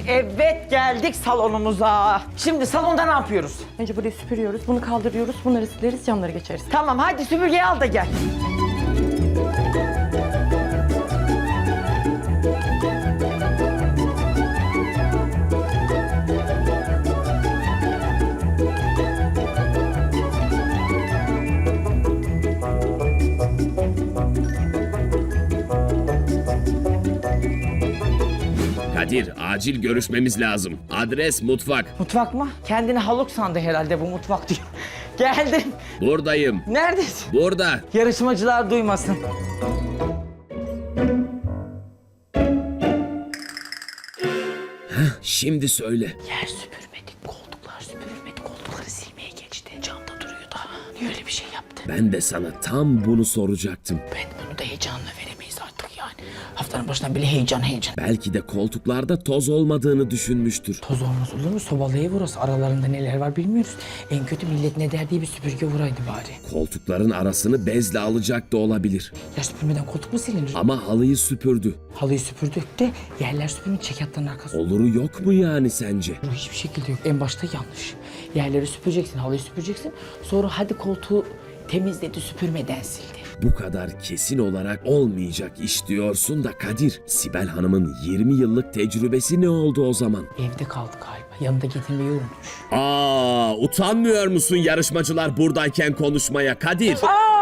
Evet geldik salonumuza. Şimdi salonda ne yapıyoruz? Önce burayı süpürüyoruz, bunu kaldırıyoruz, bunları sileriz, camları geçeriz. Tamam hadi süpürgeyi al da gel. Kadir, acil görüşmemiz lazım. Adres mutfak. Mutfak mı? Kendini haluk sandı herhalde bu mutfak diyor. Geldim. Buradayım. Neredesin? Burada. Yarışmacılar duymasın. Şimdi söyle. Yer süpürmedik, koltuklar süpürülmedi, koltukları silmeye geçti. Camda duruyor da. Niye öyle bir şey yaptı? Ben de sana tam bunu soracaktım. Ben bunu da heyecanla veremeyiz artık yani. Haftanın başından bile heyecan. Belki de koltuklarda toz olmadığını düşünmüştür. Toz olmaz olur mu? Sobalı ev burası. Aralarında neler var bilmiyoruz. En kötü millet ne der diye bir süpürge vuraydı bari. Koltukların arasını bezle alacak da olabilir. Yer süpürmeden koltuk mu silinir? Ama halıyı süpürdü. Halıyı süpürdük de yerler süpürmek çekyatların arkası. Oluru yok mu yani sence? Bu hiçbir şekilde yok. En başta yanlış. Yerleri süpüreceksin, halıyı süpüreceksin. Sonra hadi koltuğu temizledi, süpürmeden sildi. Bu kadar kesin olarak olmayacak iş diyorsun da Kadir. Sibel Hanım'ın 20 yıllık tecrübesi ne oldu o zaman? Evde kaldı galiba. Yanında getirmeyi unutmuş. Utanmıyor musun yarışmacılar buradayken konuşmaya Kadir?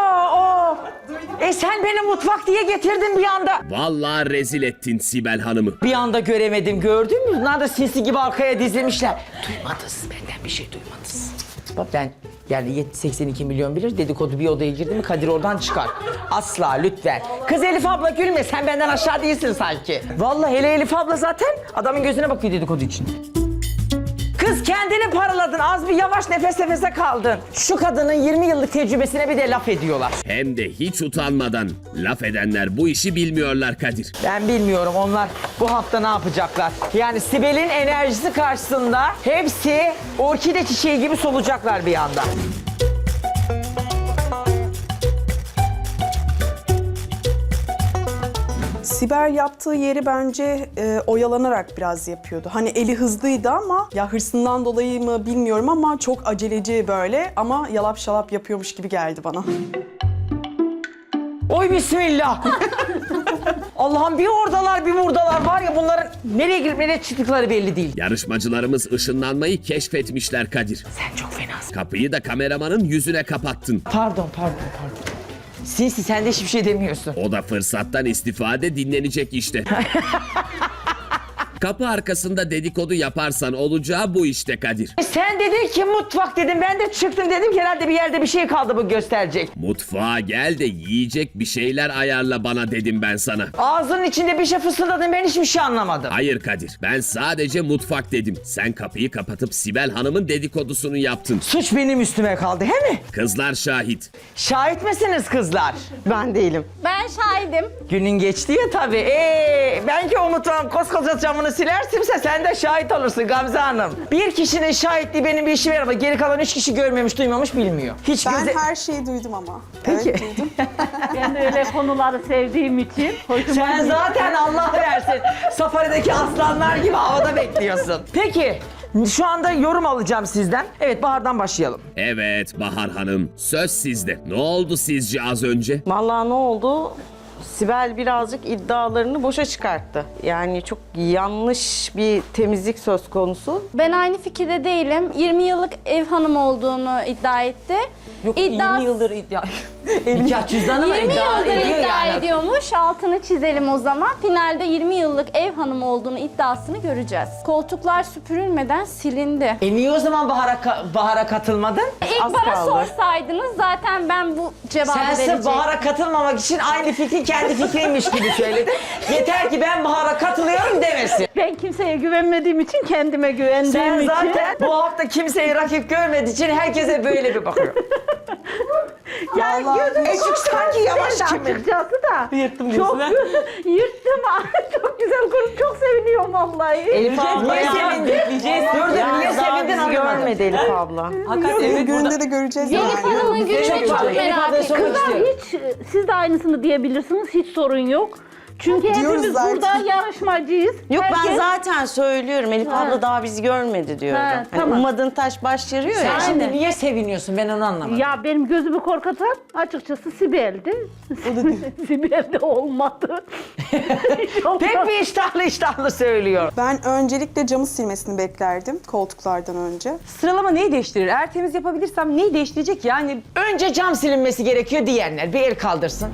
Sen beni mutfak diye getirdin bir anda. Vallahi rezil ettin Sibel Hanım'ı. Bir anda göremedim, gördün mü? Bunlar da sinsi gibi arkaya dizilmişler. Duymadınız, benden bir şey duymadınız. Bak ben yani 82 milyon bilir, dedikodu bir odaya girdi mi Kadir oradan çıkar. Asla lütfen. Kız Elif abla gülme, sen benden aşağı değilsin sanki. Vallahi hele Elif abla zaten adamın gözüne bakıyor dedikodu için. Kız kendini paraladın, az bir yavaş nefes nefese kaldın. Şu kadının 20 yıllık tecrübesine bir de laf ediyorlar. Hem de hiç utanmadan. Laf edenler bu işi bilmiyorlar Kadir. Ben bilmiyorum onlar bu hafta ne yapacaklar. Yani Sibel'in enerjisi karşısında hepsi orkide çiçeği gibi solacaklar bir anda. Sibel yaptığı yeri bence oyalanarak biraz yapıyordu. Hani eli hızlıydı ama ya hırsından dolayı mı bilmiyorum ama çok aceleci böyle ama yalap şalap yapıyormuş gibi geldi bana. Oy bismillah. Allah'ım bir oradalar bir buradalar var ya bunların nereye girip nereye çıktıkları belli değil. Yarışmacılarımız ışınlanmayı keşfetmişler Kadir. Sen çok fenasın. Kapıyı da kameramanın yüzüne kapattın. Pardon. Sinsi sen de hiçbir şey demiyorsun. O da fırsattan istifade dinlenecek işte. Kapı arkasında dedikodu yaparsan olacağı bu işte Kadir. Sen dedin ki mutfak dedim ben de çıktım dedim ki herhalde bir yerde bir şey kaldı bu gösterecek. Mutfağa gel de yiyecek bir şeyler ayarla bana dedim ben sana. Ağzının içinde bir şey fısıldadın ben hiçbir şey anlamadım. Hayır Kadir, ben sadece mutfak dedim. Sen kapıyı kapatıp Sibel Hanım'ın dedikodusunu yaptın. Suç benim üstüme kaldı he mi? Kızlar şahit. Şahit misiniz kızlar? Ben değilim. Ben şahidim. Günün geçti ya tabii. Ben ki o mutfağın koskoca camını silersimse sen de şahit olursun Gamze Hanım. Bir kişinin şahitliği benim bir işime yaramaz. Geri kalan 3 kişi görmemiş, duymamış, bilmiyor. Hiç Ben göze... her şeyi duydum ama. Peki. Evet, duydum. Ben de öyle konuları sevdiğim için hoşuma Sen gidiyor. zaten Allah versin safarideki aslanlar gibi havada bekliyorsun. Peki şu anda yorum alacağım sizden. Evet Bahar'dan başlayalım. Evet Bahar Hanım, söz sizde. Ne oldu sizce az önce? Vallahi ne oldu? Sibel birazcık iddialarını boşa çıkarttı. Yani çok yanlış bir temizlik söz konusu. Ben aynı fikirde değilim. 20 yıllık ev hanımı olduğunu iddia etti. Yok İddia- 20 yıldır iddia. Nikah cüzdanı mı 20 iddia yıldır ediyor iddia yani? ediyormuş. Altını çizelim o zaman. Finalde 20 yıllık ev hanımı olduğunu iddiasını göreceğiz. Koltuklar süpürülmeden silindi. Niye o zaman Bahar'a katılmadın? İlk Az bana kaldı. sorsaydınız zaten ben bu cevabı Sen sırf verecektim. Bahar'a katılmamak için aynı fikri kendi fikriymiş gibi söyledin. Yeter ki ben Bahar'a katılıyorum demesin. Ben kimseye güvenmediğim için kendime güvendiğim Sen için. zaten bu hafta kimseyi rakip görmediği için herkese böyle bir bakıyor. Yani Çünkü sanki yavaş kimin? açıkçası da. Yırttım Çok diyorsun yırttım. Çok güzel kurum. Çok seviniyorum vallahi. Elif abla niye sevindin? Dur niye sevindin anlamadım. Görmedi Elif abla. Evet, gününde de göreceğiz Elif yani. Hanım'ın gününü çok Elif merak ablaya ettim. sormak Kızlar istiyorum. hiç, siz de aynısını diyebilirsiniz. Hiç sorun yok. Çünkü Diyoruz hepimiz zaten. burada yarışmacıyız. Yok ben Herkes- zaten söylüyorum. Elif abla daha bizi görmedi diyorum. Ha, Hani tamam. ummadığın taş baş yarıyor ya. Sen şimdi niye seviniyorsun ben onu anlamadım. Ya benim gözümü korkutan açıkçası Sibel'di. Sibel'de olmadı. Pek bir iştahlı söylüyor. Ben öncelikle camı silmesini beklerdim koltuklardan önce. Sıralama neyi değiştirir? Eğer temiz yapabilirsem neyi değiştirecek yani? Önce cam silinmesi gerekiyor diyenler bir el kaldırsın.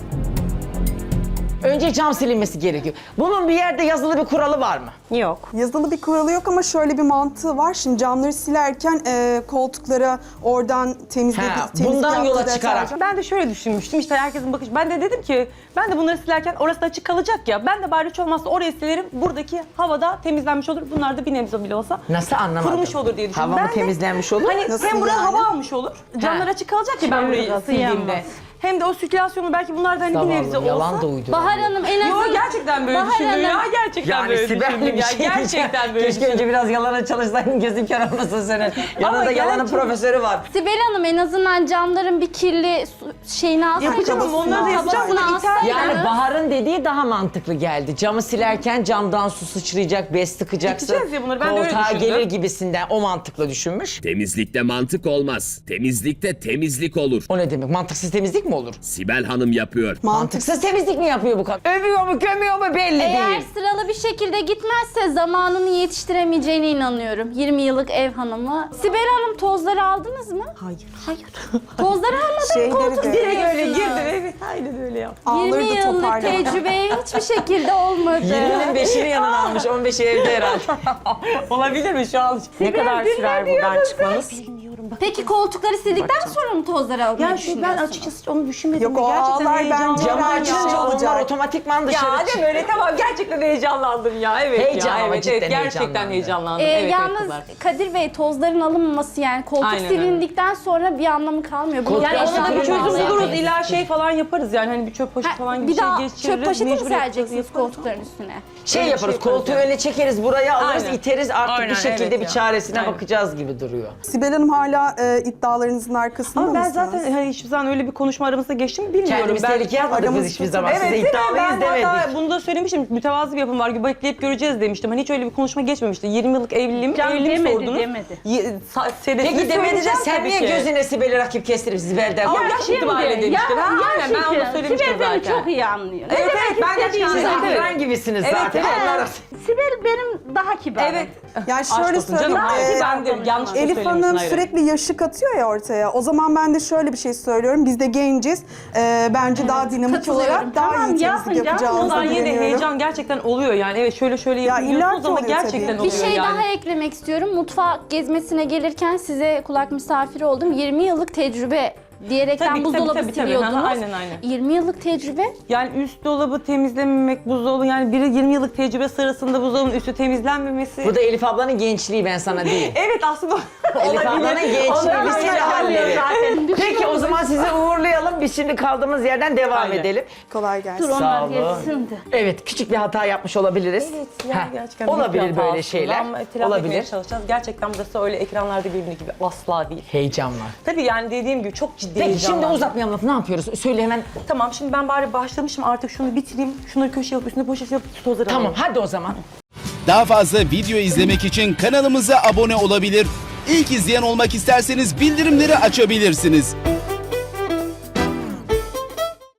Önce cam silinmesi gerekiyor. Bunun bir yerde yazılı bir kuralı var mı? Yok. Yazılı bir kuralı yok ama şöyle bir mantığı var. Şimdi camları silerken koltuklara oradan temizlik bundan yola yaptığı çıkarak. deterjan- Ben de şöyle düşünmüştüm işte herkesin bakış. Ben de dedim ki ben de bunları silerken orası da açık kalacak ya. Ben de bari hiç olmazsa oraya silerim. Buradaki havada temizlenmiş olur. Bunlar da bir nebze bile olsa Nasıl anlamadım? kurumuş olur diye düşündüm. Hava mı Ben de- temizlenmiş olur? Hani Nasıl hem buraya yani? hava almış olur. Camlar açık kalacak ya ben burayı Çevir, sildiğimde. yanmaz. Hem de o sirkülasyonu belki bunlardan hani bir nebze Zavallı, yalan olsa. da uyduruyor. Bahar Hanım en Yo azından... gerçekten böyle Bahar düşündüm Hanım- ya. Gerçekten böyle düşündüm bir ya. şey diyeceğim. Gerçekten böyle Keşke düşündüm. önce biraz yalana çalışsaydın gözün kör olmasın senin. Yanında yalanın gerçekten- profesörü var. Sibel Hanım en azından camların bir kirli şeyini alsaydınız. Yapacağım ama onları da yapacağım. Tabasını Bunu iter- alsaydınız. Yani Bahar'ın dediği daha mantıklı geldi. Camı silerken camdan su sıçrayacak, bez tıkacaksın. İteceğiz ya bunları, ben de öyle Koltuğa düşündüm. gelir gibisinden o mantıklı düşünmüş. Temizlikte mantık olmaz. Temizlikte temizlik olur. O ne demek? Mantıksız temizlik mi olur? Sibel Hanım yapıyor. Mantıksız temizlik mi yapıyor bu kadın? Övüyor mu, gömüyor mu belli Eğer değil. sıralı bir şekilde gitmezse zamanını yetiştiremeyeceğine inanıyorum. 20 yıllık ev hanımı. Sibel Hanım tozları aldınız mı? Hayır. Tozları almadan Şeyleri koltuk de- Direkt öyle siliyorsunuz. girdi. Evet aynen öyle yaptı. 20 Ağları da yıllık toparlamadan. tecrübeye hiçbir şekilde olmadı. 20'nin 5'ini yanına almış, 15'i evde herhalde. Olabilir mi şu an? Ne kadar sürer buradan çıkmanız? Peki koltukları sildikten sonra mı tozları almayı Yani ben düşünüyorsunuz? açıkçası onu düşünmedim. Yok, o Gerçekten ağlar heyecanlandım. bence Camı ben açınca şey onlar olacak. otomatikman dışarı Ya çıkıyor. de böyle tamam gerçekten heyecanlandım ya. Evet Heyecan ya. ama Evet, cidden evet, gerçekten heyecanlandı. heyecanlandım. Evet, yalnız kızlar. Kadir Bey tozların alınmaması yani koltuk Aynen, silindikten sonra bir anlamı kalmıyor. Bunu Koltuk Yani ona da bir Eşyalarını çözüm bağlayan buluruz. temizlik İlla şey falan yaparız yani hani bir çöp poşeti falan gibi bir daha şey geçiririz. çöp poşeti mi mecbur yapacağız, sereceksiniz yaparız. koltukların üstüne? Şey Öyle bir yaparız, şey yaparız koltuğu yani. öne çekeriz, buraya alırız, Aynen. iteriz artık Aynen, bir şekilde evet bir ya. çaresine Aynen. bakacağız gibi duruyor. Sibel Hanım hala iddialarınızın arkasında Ama ben mısınız? zaten hani hiçbir zaman öyle bir konuşma aramızda geçti mi bilmiyorum. Kendimiz tehlikeye atmadık biz aramızda hiçbir çok- zaman. Evet Size değil mi? iddialıyız Ben demedik. hatta bunu da söylemiştim. Mütevazı bir yapım var. Bekleyip göreceğiz demiştim. Hani hiç öyle bir konuşma geçmemişti. 20 yıllık evliliğim, Canım evliliğimi demedi, sordunuz. demedi. Peki demedi de sen niye gözüne Sibel'i rakip kestirip Sibel'den? Ama Ya, yaş itibariyle demiştir. Ha, aynen ben onu söylemiştim Sibel beni zaten. çok iyi anlıyor. Evet, evet, ben gerçekten siz Evet, evet. akran gibisiniz Evet, zaten. evet. Allah Sibel benim daha kibarım. Evet. Yani şöyle Aşk olsun canım. söyleyeyim, Hayır, ben de yanlış da Elif söylemişsin, Hanım hayır. sürekli yaşı katıyor ya ortaya. O zaman ben de şöyle bir şey söylüyorum. Biz de genciz. Bence daha dinamik Katılıyorum. olarak daha Tamam, iyi yapın temizlik canım. yapacağımıza Ondan yine de güveniyorum. heyecan gerçekten oluyor yani. Evet şöyle Ya yapıyorsunuz illaki ama oluyor gerçekten tabii. oluyor Bir şey yani. daha eklemek istiyorum. Mutfak gezmesine gelirken size kulak misafiri oldum. 20 yıllık tecrübe diyerekten Tabii, buzdolabı tabii. siliyordunuz. Aynen. 20 yıllık tecrübe. Yani üst dolabı temizlememek, buzdolabı yani biri 20 yıllık tecrübe sırasında buzdolabının üstü temizlenmemesi. Bu da Elif ablanın gençliği ben sana değil. Evet aslında Elif ablanın gençliği bir sürü halleri. Peki o zaman sizi uğurlayalım. Biz şimdi kaldığımız yerden devam Aynen. edelim. Kolay gelsin. Dur Sağ onlar olun. geçsin de. Evet küçük bir hata yapmış olabiliriz. yani Heh, gerçekten büyük bir olabilir hata böyle aslında şeyler. Ama telafi etmeye Olabilir. çalışacağız. Gerçekten burası öyle ekranlarda göründüğü gibi asla değil. Heyecan var. Tabii yani dediğim gibi çok ciddi Peki şimdi heyecanlandım. uzatmayalım lafı ne yapıyoruz? Söyle hemen. Tamam şimdi ben bari başlamışım artık şunu bitireyim. Şunları köşeye alıp üstüne poşet yapıp tozları Tamam alayım. hadi o zaman. Daha fazla video izlemek için kanalımıza abone olabilir. İlk izleyen olmak isterseniz bildirimleri açabilirsiniz.